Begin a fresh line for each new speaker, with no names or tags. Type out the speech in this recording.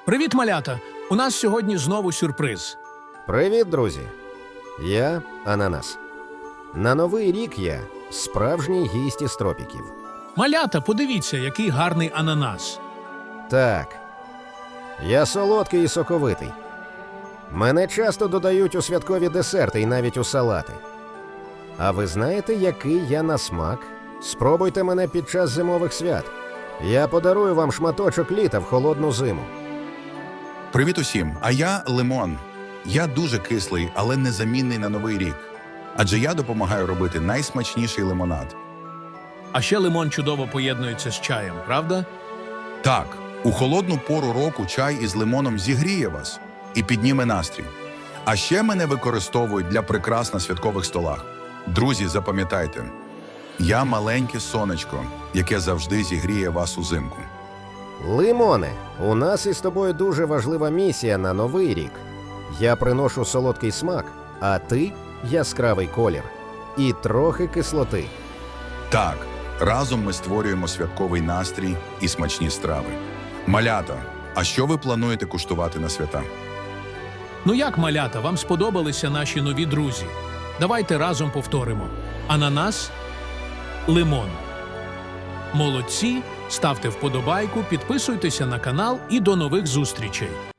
Привіт, малята! У нас сьогодні знову сюрприз.
Привіт, друзі! Я Ананас. На Новий рік я справжній гість із тропіків.
Малята, подивіться, який гарний ананас.
Так, я солодкий і соковитий. Мене часто додають у святкові десерти і навіть у салати. А ви знаєте, який я на смак? Спробуйте мене під час зимових свят. Я подарую вам шматочок літа в холодну зиму.
Привіт усім! А я Лимон. Я дуже кислий, але незамінний на Новий рік. Адже я допомагаю робити найсмачніший лимонад.
А ще лимон чудово поєднується з чаєм, правда?
Так, у холодну пору року чай із лимоном зігріє вас і підніме настрій. А ще мене використовують для прикрас на святкових столах. Друзі, запам'ятайте, я маленьке сонечко, яке завжди зігріє вас узимку.
Лимоне, у нас із тобою дуже важлива місія на Новий рік. Я приношу солодкий смак, а ти – яскравий колір. І трохи кислоти.
Так, разом ми створюємо святковий настрій і смачні страви. Малята, а що ви плануєте куштувати на свята?
Ну як, малята, вам сподобалися наші нові друзі? Давайте разом повторимо. Ананас, лимон. Молодці, ставте вподобайку, підписуйтеся на канал і до нових зустрічей.